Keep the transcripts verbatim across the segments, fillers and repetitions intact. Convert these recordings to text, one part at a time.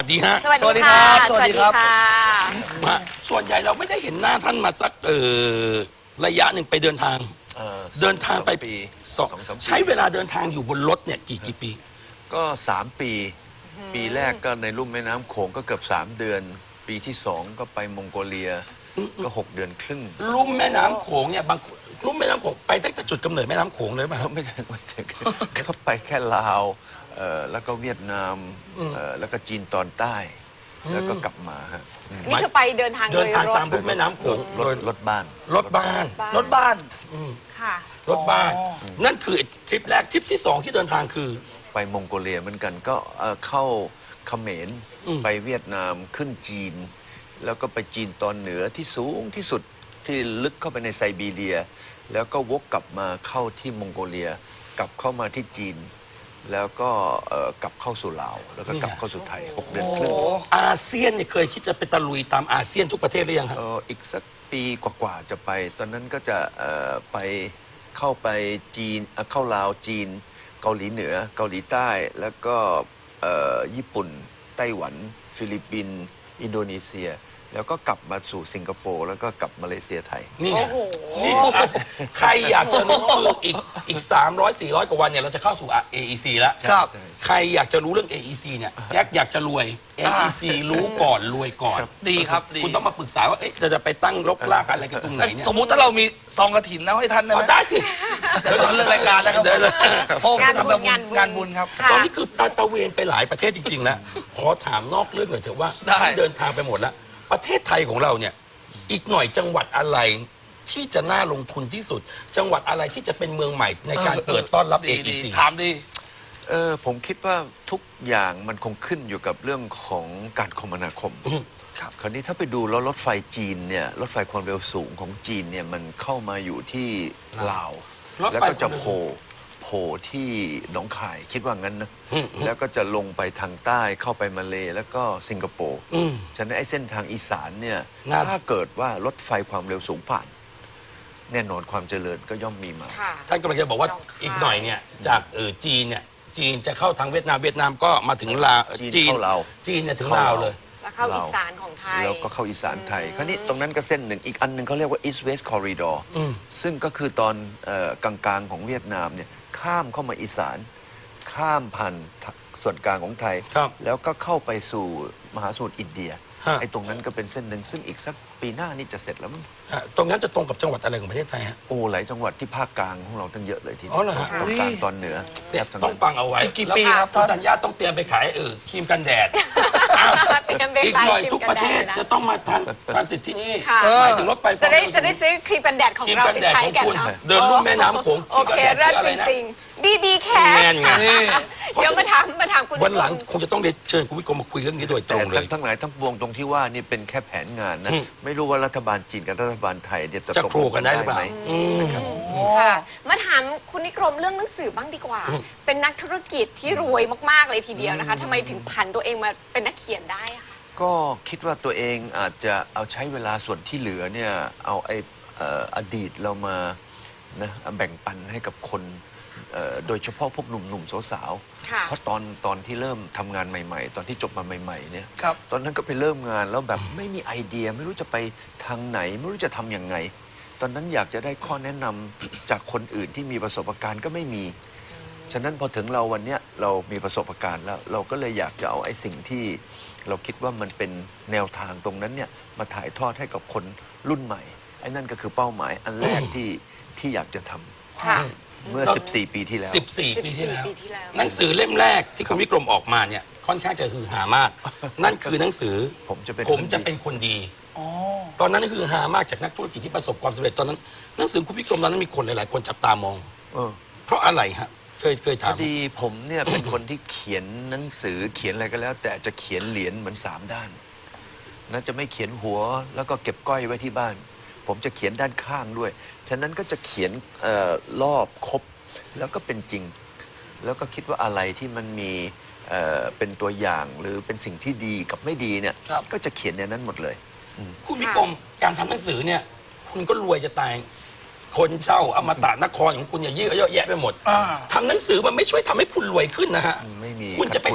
ดีฮะสวัสดีครับสวัสดีครับฮะส่วนใหญ่เราไม่ได้เห็นหน้าท่านมาสักเออระยะหนึ่งไปเดินทางเอ่อเดินทางไปสปีสองสองสามปีใช้เวลาเดินทางอยู่บนรถเนี่ยกี่กี่ปีก็สามปี ปีแรกก็ในลุ่มแม่น้ำโขงก็เกือบสามเดือน ปีที่สองก็ไปมองโกเลียก็หกเดือนครึ่งลุ่มแม่น้ำโขงเนี่ยบางลุ่มแม่น้ำโขงไปตั้งแต่จุดกำเนิดแม่น้ำโขงเลยป่ะครับไม่ถึงไม่ถึงก็ไปแค่ลาวเอ่อแล้วก็เวียดนามเอ่อแล้วก็จีนตอนใต้ แล้วก็กลับมาฮะนี่คือไปเดินทางโดเดินยทางรถตามลุ่มแม่น้ำโขงรถรถบ้านรถบ้านบ้านรถบ้านค่ะรถบ้าน นั่นคือทริปแรกทริปที่สองที่เดินทางคือไปมองโกเลียเหมือนกันก็เอ่อเข้าเขมรอืมไปเวียดนามขึ้นจีน แล้วก็ไปจีนตอนเหนือที่สูงที่สุดที่ลึกเข้าไปในไซบีเรีย แล้วก็วกกลับมาเข้าที่มองโกเลีย กลับเข้ามาที่จีน แล้วก็เอ่อกลับเข้าสู่ลาว แล้วก็กลับเข้าสู่ไทยหกเดือนครึ่งอาเซียนเนี่ยเคยคิดจะไปตะลุยตามอาเซียนทุกประเทศหรือยังครับเอ่ออีกสักปีกว่าๆจะไป ตอนนั้นก็จะเอ่อไปเข้าไปจีนเอ่อเข้าลาวจีน เกาหลีเหนือ เกาหลีใต้ แล้วก็เอ่อญี่ปุ่น ไต้หวัน ฟิลิปปินส์อินโดนีเซีย แล้วก็กลับมาสู่สิงคโปร์แล้วก็กลับมาเลเซียไทยนี่ไงโอ้โหนี่คืออาเซียนใครอยากจะรู้คืออีกอีกสามร้อยสี่ร้อยกว่าวันเนี่ยเราจะเข้าสู่ เอ อี ซี แล้วครับใช่ใช่ใครอยากจะรู้เรื่อง เอ อี ซี เนี่ยแจ็คอยากจะรวย เอ อี ซี รู้ก่อนรวยก่อนดีครับดีคุณต้องมาปรึกษาว่าเอ๊ะจะจะไปตั้งรกรากอะไรกันตรงไหนเนี่ยสมมุติถ้าเรามีซองกระถินแล้วให้ท่านได้ไหเอามได้สิเดี๋ยวตอนเรื่องรายการนะครับเดี๋ยวเพราะผมงานทำบุแบบญงานบุญงานบุญครับค่ะตอนนี้คือตาตะเวนไปหลายประเทศจริง ๆ แล้ว ขอถามนอกเรื่องหน่อยเถอะว่าได้เดินทางไปหมดแล้ว ประเทศไทยของเราเนี่ย อีกหน่อยจังหวัดอะไรที่จะน่าลงทุนที่สุด จังหวัดอะไรที่จะเป็นเมืองใหม่ในการเปิดต้อนรับ เอดีอีดีซีถามดีเออผมคิดว่าทุกอย่างมันคงขึ้นอยู่กับเรื่องของการคมนาคมครับคราวนี้ถ้าไปดูแล้วรถไฟจีนเนี่ยรถไฟความเร็วสูงของจีนเนี่ยมันเข้ามาอยู่ที่ลาวรถไฟแล้วก็จะความเร็วโผล่โผล่ที่หนองคายคิดว่างั้นนะอืมอืมแล้วก็จะลงไปทางใต้เข้าไปมาเลแล้วก็สิงคโปร์อืมฉะนั้นไอ้เส้นทางอีสานเนี่ยน่าถ้าเกิดว่ารถไฟความเร็วสูงผ่าน แน่นอนความเจริญก็ย่อมมีมาค่ะท่านกำลังจะบอกว่าหนองคายอีกหน่อยเนี่ยจากเออจีนเนี่ยจีนจะเข้าทางเวียดนามเวียดนามก็มาถึงลาวจีนเข้าลาวจีนเนี่ยถึงเข้าลาวลาวเลยแล้วเข้าอีสานของไทยแล้วก็เข้าอีสานไทย คราวนี้ตรงนั้นก็เส้นหนึ่ง อีกอันหนึ่งเขาเรียกว่า East West Corridor อืมซึ่งก็คือตอนเออกลางๆของเวียดนามเนี่ยข้ามเข้ามาอีสาน ข้ามผ่านส่วนกลางของไทยครับแล้วก็เข้าไปสู่มหาสมุทรอินเดียฮะไอ้ตรงนั้นก็เป็นเส้นหนึ่ง ซึ่งอีกสักปีหน้านี่จะเสร็จแล้วมั้งฮะตรงนั้นจะตรงกับจังหวัดอะไรของประเทศไทยฮะโอ้หลายจังหวัดที่ภาคกลางของเราตั้งเยอะเลยทีอ๋อเหรอฮะตอนกลางตอนเหนือเนี่ยแทบทั้ต้องนั้นฟังเอาไว้อีกกี่แล้วปีครับคุณท่านธัญญาต้องเตรียมไปขายเออครีมกันแดดอ้าวเตรียมไปอีกขายหน่อยครีมทุกประเทศกันแดดนะจะต้องมาทานทานสิทธิ์ที่นี่ค่ะหมายถึงรถไฟจะได้ความเร็วสูงจะได้ซื้อครีมกันแดดของครีมเรากันไปแดดใช้ของกันคุณเนาะเดินลุ่มแม่น้ำโขงโอเคครีมกันแดดเลิศชื่ออะไรจนะริงๆบีบีแคแมนไงนี่เดี๋ยวมาถามมาถามคุณวันหลังคงจะต้องเรียนเชิญคุณวิกรมมาคุยเรื่องนี้โดยตแต่รงเลยทั้งทั้งหลายทั้งปวงตรงที่ว่านี่เป็นแค่แผนงานนะอืมไม่รู้ว่ารัฐบาลจีนกับรัฐบาลไทยเนี่ยจะจะตกโครกันได้หรือเปล่าไหมอืมค่ะมาถามคุณนิกรมเรื่องหนังสือบ้างดีกว่า เป็นนักธุรกิจที่รวยมากๆเลยทีเดียวนะคะทำไมถึงผันตัวเองมาเป็นนักเขียนได้อะคะก็คิดว่าตัวเองอาจจะเอาใช้เวลาส่วนที่เหลือเนี่ยเอาไอ้เอ่ออดีตเรามานะแบ่งปันให้กับคนเอ่อโดยเฉพาะพวกหนุ่มๆสาวค่ะๆเพราะตอนตอนที่เริ่มทำงานใหม่ๆ ตอนที่จบมาใหม่ๆเนี่ยครับตอนนั้นก็ไปเริ่มงานแล้วแบบไม่มีไอเดียไม่รู้จะไปทางไหน ไม่รู้จะทำยังไง ตอนนั้นอยากจะได้ข้อแนะนำจากคนอื่นที่มีประสบการณ์ก็ไม่มี ฉะนั้นพอถึงเราวันเนี้ยเรามีประสบการณ์แล้ว เราก็เลยอยากจะเอาไอ้สิ่งที่เราคิดว่ามันเป็นแนวทางตรงนั้นเนี่ยมาถ่ายทอดให้กับคนรุ่นใหม่ไอ้นั่นก็คือเป้าหมายอันแรกที่ที่อยากจะทำค่ะเมื่อ สิบสี่ ปีที่แล้วสิบสี่ ปีที่แล้วปีที่แล้วหนังสือเล่มแรกที่คุณวิกรมออกมาเนี่ยค่อนข้างจะฮือฮามาก นั่นคือหนังสือผมจะเป็นผมคนดีจะเป็นคนดีอ๋อตอนนั้นคือฮามากจากนักธุรกิจที่ประสบความสำเร็จตอนนั้นหนังสือคุณวิกรมตอนนั้นมีคนหลายๆคนจับตามองเออเพราะอะไรฮะเคยเคยพถาอมดีผมเนี่ย เป็นคนที่เขียนหนังสือเขียนอะไรก็แล้ว แต่จะเขียนเหรียญเหมือนสามด้านนะจะไม่เขียนหัวแล้วก็เก็บก้อยไว้ที่บ้าน ผมจะเขียนด้านข้างด้วยฉะนั้นก็จะเขียนเอ่อรอบครบแล้วก็เป็นจริง แล้วก็คิดว่าอะไรที่มันมีเอ่อเป็นตัวอย่างหรือเป็นสิ่งที่ดีกับไม่ดีเนี่ยครับก็จะเขียนในนั้นหมดเลยคุณวิกรมการทำหนังสือเนี่ย คุณก็รวยจะตาย คนเช่าอมตะนครของคุณเนี่ยเยอะเยอะแยะไปหมดอ่าทำหนังสือมันไม่ช่วยทำให้คุณรวยขึ้นนะฮะไม่มีคุณจะไปขาดทุน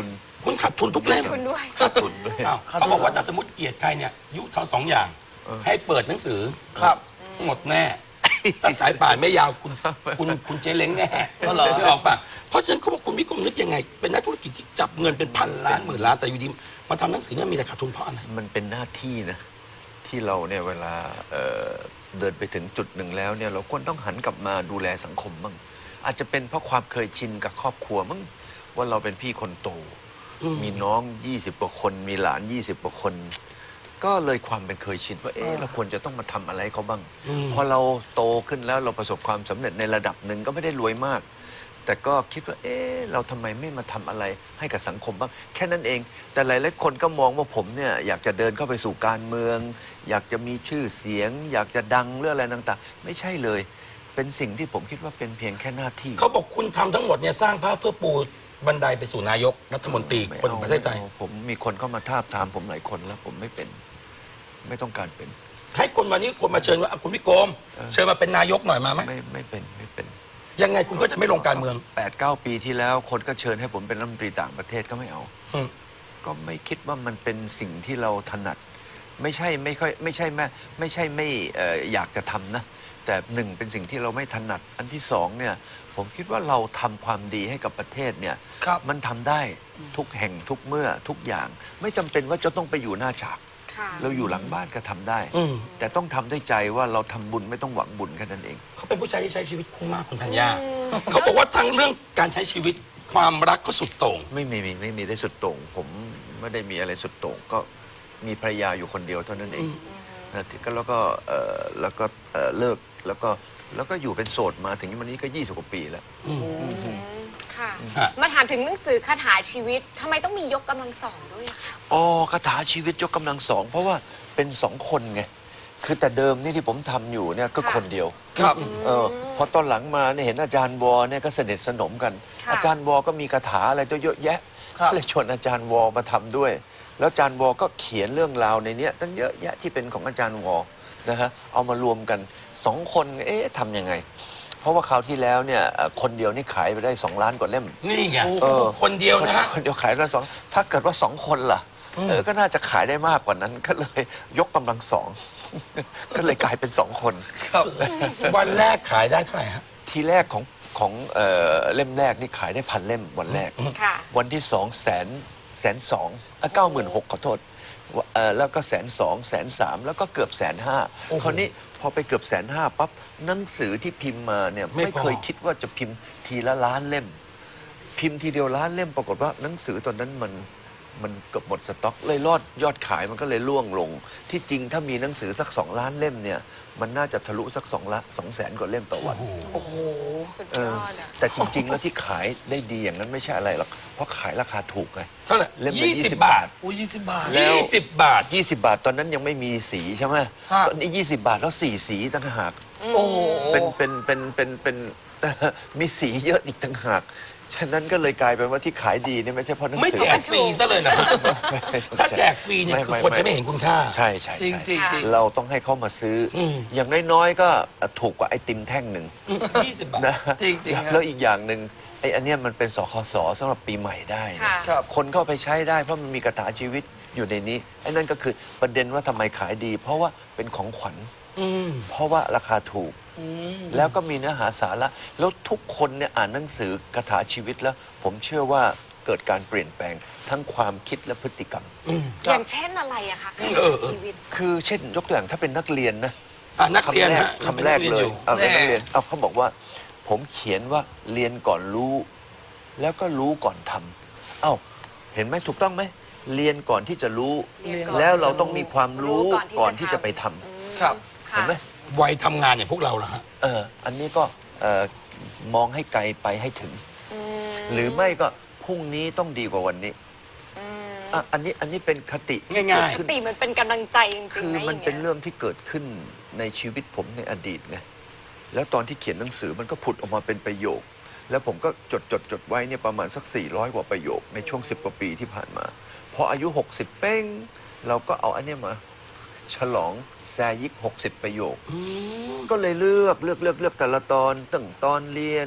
คุณขาดทุนทุกเล่มทุนด้วยขาดทุนอ้าวเขาบอกว่าถ้าสมมติเกลียดใครเนี่ยยุเท่าสองอย่าง ให้เปิดหนังสือครับหมดแน่ถ้าสายป่านไม่ยาวคุณคุณคุณเจเล้งแน่อ๋อเหรอไม่ออกป่ะเพราะฉะนั้นเขาบอกคุณวิกรมนึกยังไง เป็นนักธุรกิจที่จับเงินเป็นพันล้านหมื่นล้านแต่อยู่ดีมาทำหนังสือเนี่ยมีแต่ขาดทุนเพราะอะไรมันเป็นหน้าที่นะที่เราเนี่ยเวลาเอ่อเดินไปถึงจุดหนึ่งแล้วเนี่ยเราควรต้องหันกลับมาดูแลสังคมบ้างอาจจะเป็นเพราะความเคยชินกับครอบครัวมั้งว่าเราเป็นพี่คนโต มีน้องยี่สิบกว่าคนมีหลานยี่สิบกว่าคน ก็เลยความเป็นเคยชินว่าเอ๊ะเราควรจะต้องมาทำอะไรเขาบ้างพอเราโตขึ้นแล้วเราประสบความสำเร็จในระดับหนึ่งก็ไม่ได้รวยมาก แต่ก็คิดว่าเอ๊ะเราทำไมไม่มาทำอะไรให้กับสังคมบ้างแค่นั้นเอง แต่หลายๆคนก็มองว่าผมเนี่ยอยากจะเดินเข้าไปสู่การเมือง อยากจะมีชื่อเสียง อยากจะดังเรื่องอะไรต่างๆ ไม่ใช่เลย เป็นสิ่งที่ผมคิดว่าเป็นเพียงแค่หน้าที่เขาบอกคุณทำทั้งหมดเนี่ยสร้างภาพเพื่อปูบันไดไปสู่นายกรัฐมนตรีไม่คนของประเทศไทยอาผมมีคนเข้ามาทาบทามผมหลายคนแล้วผมไม่เป็น ไม่ต้องการเป็นให้คนวันนี้คนมาเชิญว่าอ่ะคุณวิกรมเชิญมาเป็นนายกหน่อยมาไหมไม่ไม่เป็นไม่เป็นยังไงคุณก็จะไม่ลงการเมืองแปดเก้าปีที่แล้วคนก็เชิญให้ผมเป็นรัฐมนตรีต่างประเทศก็ไม่เอาอืมก็ไม่คิดว่ามันเป็นสิ่งที่เราถนัด ไม่ใช่ไม่ค่อยไม่ใช่แม่ไม่ใช่ไม่เอ่ออยากจะทำนะ แต่หนึ่งเป็นสิ่งที่เราไม่ถนัด อันที่สองเนี่ยผมคิดว่าเราทำความดีให้กับประเทศเนี่ยครับมันทำได้ทุกแห่งทุกเมื่อทุกอย่าง ไม่จำเป็นว่าจะต้องไปอยู่หน้าฉากค่ะเราอยู่หลังบ้านก็ทำได้อืมแต่ต้องทำด้วยใจว่าเราทำบุญไม่ต้องหวังบุญแค่นั้นเองเขาเป็นผู้ชายที่ใช้ชีวิตคุ้มมากคุณธัญญาเขาบอกว่าทั้งเรื่องการใช้ชีวิตความรักก็สุดโต่งไม่มีไม่มีได้สุดโต่งผมไม่ได้มีอะไรสุดโต่งก็มีภรรยาอยู่คนเดียวเท่านั้นเองนะที่ก็แล้วก็เอ่อแล้วก็เอ่อเลิกแล้วก็แล้วก็อยู่เป็นโสดมาถึงวันนี้ก็ยี่สิบกว่าปีแล้วค่ะฮะมาถามถึงหนังสือคาถาชีวิตทำไมต้องมียกกำลังสองด้วยอะคะอ๋อคาถาชีวิตยกกำลังสองเพราะว่าเป็นสองคนไงคือแต่เดิมนี่ที่ผมทำอยู่เนี่ยก็คนเดียวครับเออพอตอนหลังมาเนี่ยเห็นอาจารย์วอเนี่ยก็สนิทสนมกันค่ะอาจารย์วอก็มีคาถาอะไรตัวเยอะแยะครับก็เลยชวนอาจารย์วอมาทำด้วย แล้วอาจารย์วอก็เขียนเรื่องราวในเนี้ยตั้งเยอะแยะที่เป็นของอาจารย์วอนะฮะเอามารวมกันสองคนเอ๊ะทำยังไง เพราะว่าคราวที่แล้วเนี่ยเอ่อคนเดียวนี่ขายไปได้สองล้านกว่าเล่มนี่ไงเออคนเดียวนะฮะคนเดียวขายได้สองถ้าเกิดว่าสองคนล่ะเออก็น่าจะขายได้มากกว่านั้นก็เลยยกกำลังสอง ก็เลยกลายเป็นสองคนครับวันแรกขายได้เท่าไหร่ฮะทีแรกของของเอ่อเล่มแรกนี่ขายได้พันเล่มวันแรกค่ะวันที่สองแสนแสนสองเก้าหมื่นหกขอโทษเอ่อแล้วก็แสนสองแสนสามแล้วก็เกือบแสนห้าคราวนี้พอไปเกือบแสนห้าปั๊บหนังสือที่พิมพ์มาเนี่ยไม่ไม่พอเคยคิดว่าจะพิมพ์ทีละล้านเล่ม พิมพ์ทีเดียวล้านเล่มปรากฏว่าหนังสือตอนนั้นมันมันเกือบหมดสต็อกเลยรอดยอดขายมันก็เลยล่วงลง ที่จริงถ้ามีหนังสือสักสองล้านเล่มเนี่ยมันน่าจะทะลุสักสองละสองแสนกว่าเล่มต่อวันโอ้โหสุดเอย ออดอะแต่จริง ๆ แล้วที่ขายได้ดีอย่างนั้นไม่ใช่อะไรหรอก เพราะขายราคาถูกไงเท่าไหร่เล่มละยี่ยี่สิสิบบบาทอุ้ยยี่สิบบาทแล้วยี่สิบบาทยี่สิบบาทตอนนั้นยังไม่มีสีใช่ไหมฮะตอนนี้ยี่สิบบาทแล้วสี่สีต่างหากโอ้โหเป็นเป็นเป็นเป็นเป็นเอ่อมีสีเยอะอีกต่างหาก ฉะนั้นก็เลยกลายเป็นว่าที่ขายดีเนี่ยไม่ใช่เพราะหนังไม่สือแจกฟรีซะเลยนะไม่ไม่ถ้าแจกฟรีเนี่ยคือคนจะไม่เห็นคุณค่าใช่ใช่จริงใช่จริงจริงเราต้องให้เขามาซื้ออมอย่างน้อยๆก็ถูกกว่าไอติมแท่งหนึ่งยี่สิบบาทนะจริงจริงฮะแล้วอีกอย่างหนึ่งไอ้อันเนี้ยมันเป็นสคสสำหรับปีใหม่ได้นะค่ะครับคนเข้าไปใช้ได้เพราะมันมีกระถาชีวิตอยู่ในนี้ไอ้นั่นก็คือประเด็นว่าทำไมขายดี เพราะว่าเป็นของขวัญอืมเพราะว่าราคาถูก แล้วก็มีเนื้อหาสาระแล้วทุกคนเนี่ยอ่านหนังสือกระถาชีวิตแล้ว ผมเชื่อว่าเกิดการเปลี่ยนแปลงทั้งความคิดและพฤติกรรมอย่างเช่นอะไรอะคะคาเอถาอเออชีวิตคือเช่นยกตัวอย่างถ้าเป็นนักเรียนนะอ่ะนักเรียนคำแรกฮะคำแรกป็นเลนัยอเอาเป็นนักแน่เรียนเอาเขาบอกว่า ผมเขียนว่าเรียนก่อนรู้ แล้วก็รู้ก่อนทำเอ้าเห็นไหมถูกต้องไหมเรียนก่อนที่จะรู้เรียนก่อนแล้วเราต้องมีความรู้รู้ก่ก่ออน นที่ที่จะจะไปทำทำครับเห็นไหมวัยทำงานอย่างพวกเราล่ะฮะเอออันนี้ก็เอ่อมองให้ไกลไปให้ถึง หรือไม่ก็พรุ่งนี้ต้องดีกว่าวันนี้อ่ะอันนี้อันนี้เป็นคติที่ง่ายๆเกิดขึ้นติมันเป็นกำลังใจจริงๆคือนะมันย่างเป็นงี้ยเรื่องที่เกิดขึ้นในชีวิตผมในอดีตไง แล้วตอนที่เขียนหนังสือมันก็ผุดออกมาเป็นประโยค แล้วผมก็จดจดจดไว้เนี่ยประมาณสักสี่ร้อยกว่าประโยคในช่วงสิบกว่าปีที่ผ่านมา พออายุหกสิบเป้ง เราก็เอาอันเนี้ยมา ฉลองแซยิกหกสิบประโยค ก็เลยเลือกเลือกเลือกเลือกแต่ละตอนตั้งตอนเรียน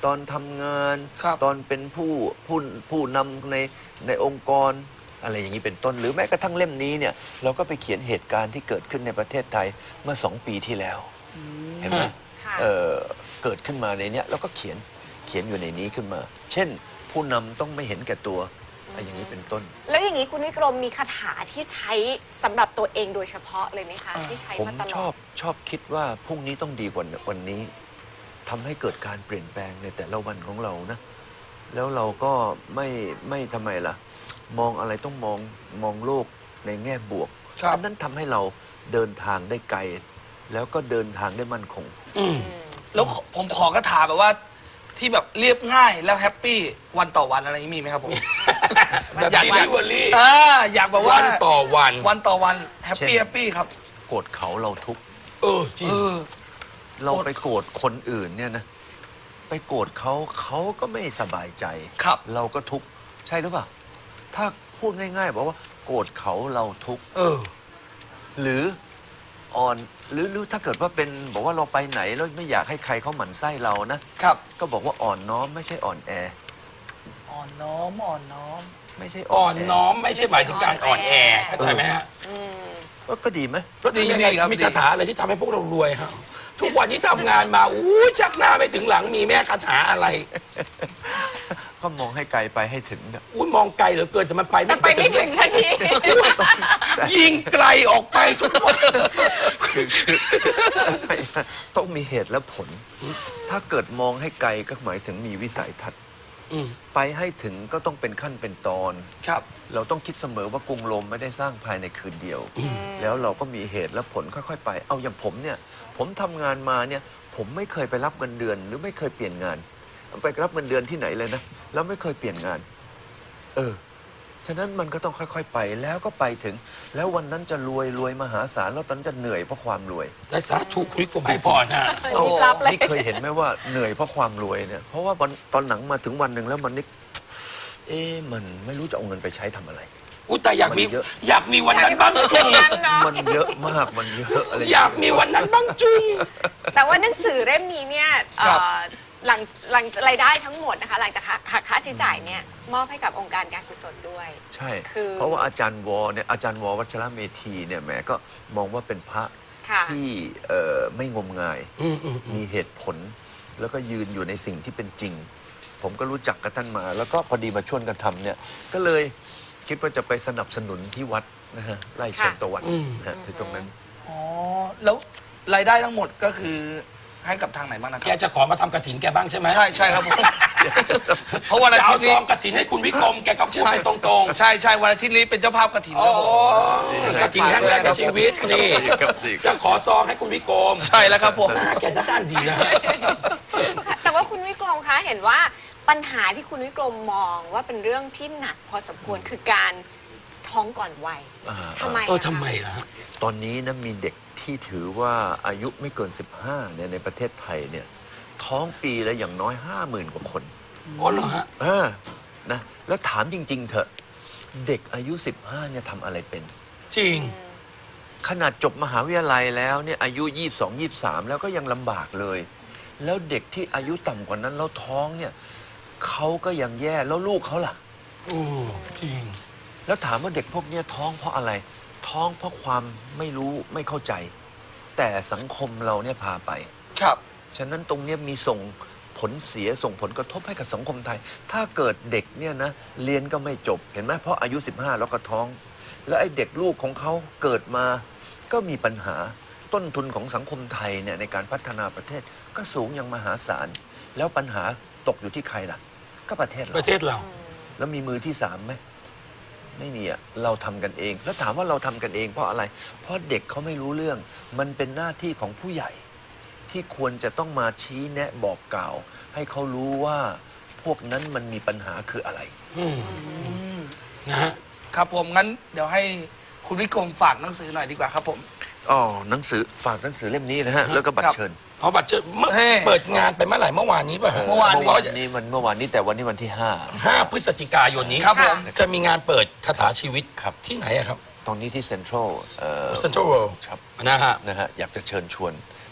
ตอนทำงานครับตอนเป็นผู้ผู้ผู้นำในในองค์กรอะไรอย่างนี้เป็นต้น หรือแม้กระทั่งเล่มนี้เนี่ยเราก็ไปเขียนเหตุการณ์ที่เกิดขึ้นในประเทศไทยเมื่อสองปีที่แล้วเห็นไหมค่ะเอ่อเกิดขึ้นมาในเนี้ยแล้วก็เขียนเขียนอยู่ในนี้ขึ้นมา เช่น ผู้นำต้องไม่เห็นแก่ตัวอะไรอย่างนี้เป็นต้นแล้วอย่างนี้คุณวิกรมมีคาถาที่ใช้สำหรับตัวเองโดยเฉพาะเลยไหมคะ ที่ใช้ผมมาตลชออดบชอบคิดว่าพรุ่งนี้ต้องดีกว่าวันนี้ทำให้เกิดการเปลี่ยนแปลงในแต่ละวันของเรานะ แล้วเราก็ไม่ไม่ทำไมล่ะ มองอะไรต้องมองมองโลกในแง่บวกครับอันนั้นทำให้เราเดินทางได้ไกล แล้วก็เดินทางได้มั่นคงอืมแล้วผมขอกระถาแบบว่าที่แบบเรียบง่ายแล้วแฮปปี้วันต่อวันอะไรอย่างนี้มีไหมครับผมแบบอยากดีอยากลิเวอรี่อ่าอยากแบบว่าวันต่อวันวันต่อวันแฮปปี้เช่นแฮปปี้ครับโกรธเขาเราทุกข์เออจริงเออเราไปโกรธคนอื่นเนี่ยนะ ไปโกรธเขาเขาก็ไม่สบายใจครับเราก็ทุกข์ใช่หรือเปล่า ถ้าพูดง่ายๆบอกว่าโกรธเขาเราทุกข์เออหรืออ่อนหรือหรือถ้าเกิดว่าเป็นบอกว่าเราไปไหนแล้วไม่อยากให้ใครเขาหมั่นไส้เรานะครับก็บอกว่าอ่อนน้อมไม่ใช่อ่อนแออ่อนน้อมอ่อนน้อมไม่ใช่อ่อนแน้อมไม่ใช่หมายถึงการอ่อนแอเข้าใจไหมฮะเออก็ดีไหมเพราะดียังไงดีครับมีคาถาอะไรที่ทำให้พวกเรารวยครับทุกวันนี้ทำงานมาอู้ชักหน้าไม่ถึงหลังมีแม่คาถาอะไรก็มองให้ไกลไปให้ถึงนะอุ้ยมองไกลเหลือเกินแต่มันไปแต่ไปไม่ถึงสักทียิงไกลออกไปทุกวันคือคือต้องมีเหตุและผล ถ้าเกิดมองให้ไกลก็หมายถึงมีวิสัยทัศน์อืมไปให้ถึงก็ต้องเป็นขั้นเป็นตอนครับเราต้องคิดเสมอว่ากรุงโรมไม่ได้สร้างภายในคืนเดียว แล้วเราก็มีเหตุและผลค่อยๆไป เอาอย่างผมเนี่ย ผมทำงานมาเนี่ย ผมไม่เคยไปรับเงินเดือน หรือไม่เคยเปลี่ยนงาน ไปรับเงินเดือนที่ไหนเลยนะ แล้วไม่เคยเปลี่ยนงาน เออ ฉะนั้นมันก็ต้องค่อยๆไป แล้วก็ไปถึง แล้ววันนั้นจะรวยรวยมหาศาล แล้วตอนนั้นจะเหนื่อยเพราะความรวยแต่สาธุคุยกับให้พรฮะเออรีบรับเลยนี่เคยเห็นไหมว่าเหนื่อยเพราะความรวยเนี่ย เพราะว่าวันตอนหลังมาถึงวันหนึ่งแล้วมันนึก เอ๊ะมันไม่รู้จะเอาเงินไปใช้ทำอะไรอุ้ยแต่อยากมีมันเยอะอยากมีวันนั้นบ้างจุงมันเยอะมากมันเยอะอะไรอยากมีวันนั้นบ้างจุงแต่ว่าหนังสือเล่มนี้เนี่ยเอ่อครับหลังหลังรายได้ทั้งหมดนะคะ หลังจากหักค่าใช้จ่ายเนี่ยมอบให้กับองค์การการกุศลด้วยใช่คือเพราะว่าอาจารย์วอเนี่ยอาจารย์วอวัชรเมธีเนี่ยแหมก็มองว่าเป็นพระค่ะที่เอ่อไม่งมงายอืมอืมมีเหตุผล แล้วก็ยืนอยู่ในสิ่งที่เป็นจริง ผมก็รู้จักกับท่านมา แล้วก็พอดีมาชวนกันทำเนี่ยก็เลยคิดว่าจะไปสนับสนุนที่วัดนะฮะไร่เชิญตะวันนะฮะที่ตรงนั้นอ๋อ แล้วรายได้ทั้งหมดก็คือให้กับทางไหนบ้างนะคแกรับจะขอมาทำกระถินแกบ้างใช่ไหมใช่ใช่ครับผม เพราะวันอาจะเอาทิตย์ซนี้องกระถินให้คุณวิกรมแกก็พูดไปตรงใช่ใช่วันอาทิตย์นี้เป็นเจ้าภาพกระถิ่นๆคโอ้รับผมกระถินครั้งแรกในชีวิตนี่ครับจะขอซองให้คุณวิกรมใช่แล้วครับผมหน้าแกจะด้านดีนะค่ะแต่ว่าคุณวิกรมคะเห็นว่าปัญหาที่คุณวิกรมมองว่าเป็นเรื่องที่หนักพอสมควรคือการท้องก่อนวัยอ่าทำไมเอออะคะทำไมล่ะฮะตอนนี้นะมีเด็กที่ถือว่าอายุไม่เกิน สิบห้าเนี่ยในประเทศไทยเนี่ยท้องปีละอย่างน้อยห้าหมื่นกว่าคนอ๋อเหรอฮะเออนะแล้วถามจริง ๆ เถอะ เด็กอายุ สิบห้าเนี่ยทำอะไรเป็นจริงขนาดจบมหาวิทยาลัยแล้วเนี่ยอายุ ยี่สิบสอง ยี่สิบสาม แล้วก็ยังลำบากเลย แล้วเด็กที่อายุต่ำกว่านั้นแล้วท้องเนี่ยเขาก็ยังแย่แล้วลูกเขาล่ะโอ้จริงแล้วถามว่าเด็กพวกเนี้ยท้องเพราะอะไร ท้องเพราะความไม่รู้ไม่เข้าใจ แต่สังคมเราเนี่ยพาไปครับฉะนั้นตรงเนี้ยมีส่งผลเสียส่งผลกระทบให้กับสังคมไทย ถ้าเกิดเด็กเนี่ยนะเรียนก็ไม่จบเห็นไหมเพราะอายุ สิบห้า แล้วก็ท้อง แล้วไอ้เด็กลูกของเขาเกิดมาก็มีปัญหาต้นทุนของสังคมไทยเนี่ยในการพัฒนาประเทศก็สูงอย่างมหาศาล แล้วปัญหาตกอยู่ที่ใครล่ะ ก็ประเทศเราประเทศเราแล้วมีมือที่สามไหมไม่มีอะเราทำกันเอง แล้วถามว่าเราทำกันเองเพราะอะไร เพราะเด็กเขาไม่รู้เรื่อง มันเป็นหน้าที่ของผู้ใหญ่ ที่ควรจะต้องมาชี้แนะบอกกล่าว ให้เขารู้ว่าพวกนั้นมันมีปัญหาคืออะไรอืมนะฮะครับผมงั้นเดี๋ยวให้คุณวิกรมฝากหนังสือหน่อยดีกว่าครับผมอ๋อหนังสือฝากหนังสือเล่มนี้นะฮะ แล้วก็บัตครัรบเชิญเอาบัตรเชิญเมื่อเฮ้เปิดงานไปเมื่อไหร่เมื่อวานนี้ป่ะฮะเมื่อวานเมื่อวานนี้มันเมื่อวานนี้แต่วันนี้วันที่ห้าห้าพฤศจิกายนนี้ครับผมจะมีงานเปิดคาถาชีวิตครับที่ไหนอะครับตรงนี้ที่เซ็นทรัลเอ่อเซ็นทรัลเวิลด์ครับนะฮะนะฮะอยากจะเชิญชวน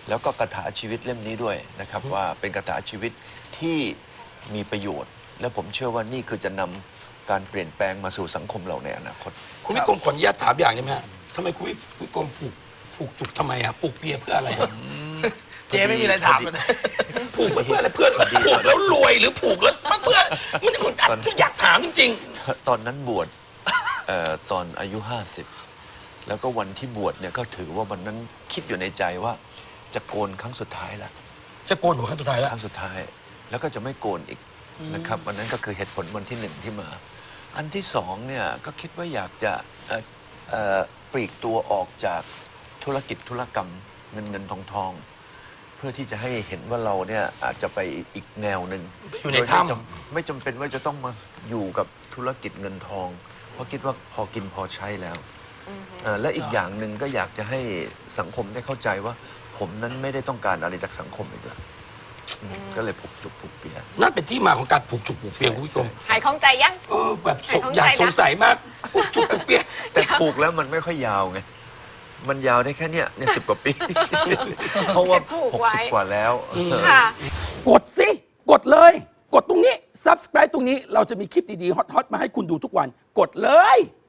แล้วก็คาถาชีวิตเล่มนี้ด้วยนะครับว่าเป็นคาถาชีวิตที่มีประโยชน์ และผมเชื่อว่านี่คือจะนำการเปลี่ยนแปลงมาสู่สังคมเราในอนาคตคุณวิกรมขออนุญาตถามอย่างได้ไหมฮะทำไมคุณวิกรมผูกผูกจุกทำไมอะผูกเปียเพื่ออะไรฮะเจ๊ไม่มีอะไรถามเลยผูกไว้เพื่ออะไรเพื่อผูกแล้วรวยหรือผูกแล้วเพื่อมันคนอัดที่อยากถามจริงตอนนั้นบวชเอ่อตอนอายุห้าสิบแล้วก็วันที่บวชเนี่ยก็ถือว่าวันนั้นคิดอยู่ในใจว่าจะโกนครั้งสุดท้ายละๆ จะโกนหัวครั้งสุดท้ายแล้วครั้งสุดท้าย แล้วก็จะไม่โกนอีกนะครับวันนั้นก็คือเหตุผลวันที่หนึ่งที่มา อันที่สองเนี่ยก็คิดว่าอยากจะเอ่อเอ่อปลีกตัวออกจากธุรกิจธุรกรรมเงินเงินทองทองเพื่อที่จะให้เห็นว่าเราเนี่ยอาจจะไปอีกแนวหนึ่งอยู่ในโดไม่ถ้ำจำไม่จำเป็นว่าจะต้องมาอยู่กับธุรกิจเงินทอง เพราะคิดว่าพอกินพอใช้แล้วเอ่อและอีกอย่างหนึ่งก็อยากจะให้สังคมได้เข้าใจว่า ผมนั้นไม่ได้ต้องการอะไรจากสังคมอีกแล้วอืมก็เลยผูกจุกผูกเปียนั่นเป็นที่มาของการผูกจุกผูกเปียคุณวิกรมหายข้องใจยังเออแบบสงหายข้องอยากใจนะสงสัยมากผูกจุกผูกเปียแต่ผูกแล้วมันไม่ค่อยยาวไง มันยาวได้แค่เนี้ยเนี่ยสิบกว่าปี เพราะว่าผูกหกไว้สิบกว่าแล้วค่ะกดสิ กดเลย กดตรงนี้ ซับสไคร b e ตรงนี้ เราจะมีคลิปดี ๆ ฮอต ๆ มาให้คุณดูทุกวัน กดเลย